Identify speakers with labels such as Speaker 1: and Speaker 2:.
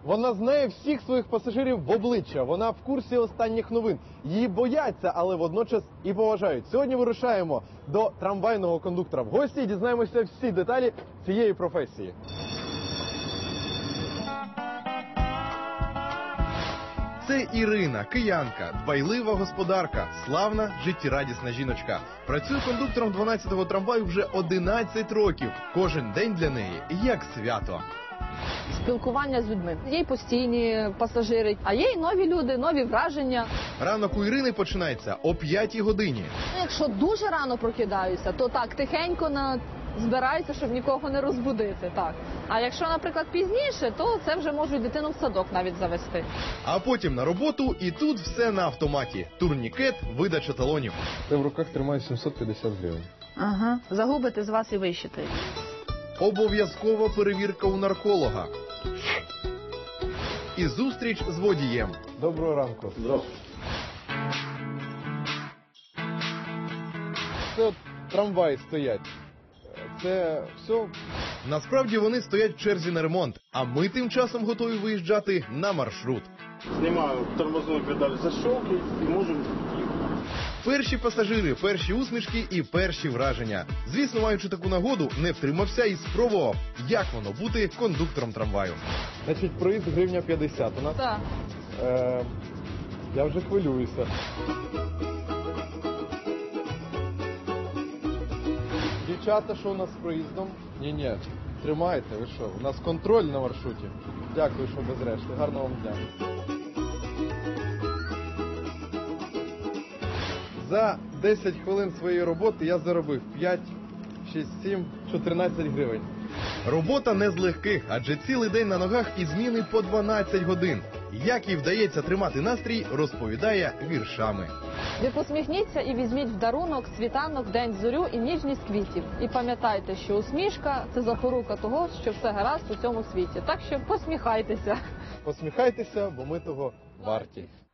Speaker 1: Вона знає всіх своїх пасажирів в обличчя. Вона в курсі останніх новин. Її бояться, але водночас і поважають. Сьогодні вирушаємо до трамвайного кондуктора в гості і дізнаємося всі деталі цієї професії.
Speaker 2: Це Ірина, киянка, дбайлива господарка, славна, життєрадісна жіночка. Працює кондуктором 12-го трамваю вже 11 років. Кожен день для неї як свято.
Speaker 3: Спілкування з людьми. Є й постійні пасажири, а є й нові люди, нові враження.
Speaker 2: Ранок у Ірини починається о 5-й годині.
Speaker 3: Якщо дуже рано прокидаюся, то так, тихенько збираюся, щоб нікого не розбудити. Так. А якщо, наприклад, пізніше, то це вже можуть дитину в садок навіть завести.
Speaker 2: А потім на роботу, і тут все на автоматі. Турнікет, видача талонів.
Speaker 1: Ти в руках тримаю 750 гривень.
Speaker 3: Ага, загубите з вас і вищитають.
Speaker 2: Обов'язкова перевірка у нарколога. І зустріч з водієм.
Speaker 1: Доброго ранку.
Speaker 4: Здравствуйте.
Speaker 1: Це от трамваї стоять. Це все.
Speaker 2: Насправді вони стоять в черзі на ремонт, а ми тим часом готові виїжджати на маршрут.
Speaker 4: Снимаю тормозную педаль защелки и можем ехать.
Speaker 2: Перші пасажири, перші усмішки і перші враження. Звісно, маючи таку нагоду, не втримався і спробував, як воно бути кондуктором трамваю.
Speaker 1: Значить, проїзд гривня 50 у нас.
Speaker 3: Так.
Speaker 1: Я вже хвилююся. Дівчата, що у нас з проїздом? Ні, тримайте, ви що? У нас контроль на маршруті. Дякую, що без решти. Гарного вам дня. За 10 хвилин своєї роботи я заробив 5, 6, 7, 14 гривень.
Speaker 2: Робота не з легких, адже цілий день на ногах і зміни по 12 годин. Як їй вдається тримати настрій, розповідає віршами.
Speaker 3: Ви посміхніться і візьміть в дарунок світанок, день зорю і ніжність квітів. І пам'ятайте, що усмішка – це запорука того, що все гаразд у цьому світі. Так що посміхайтеся.
Speaker 1: Посміхайтеся, бо ми того варті.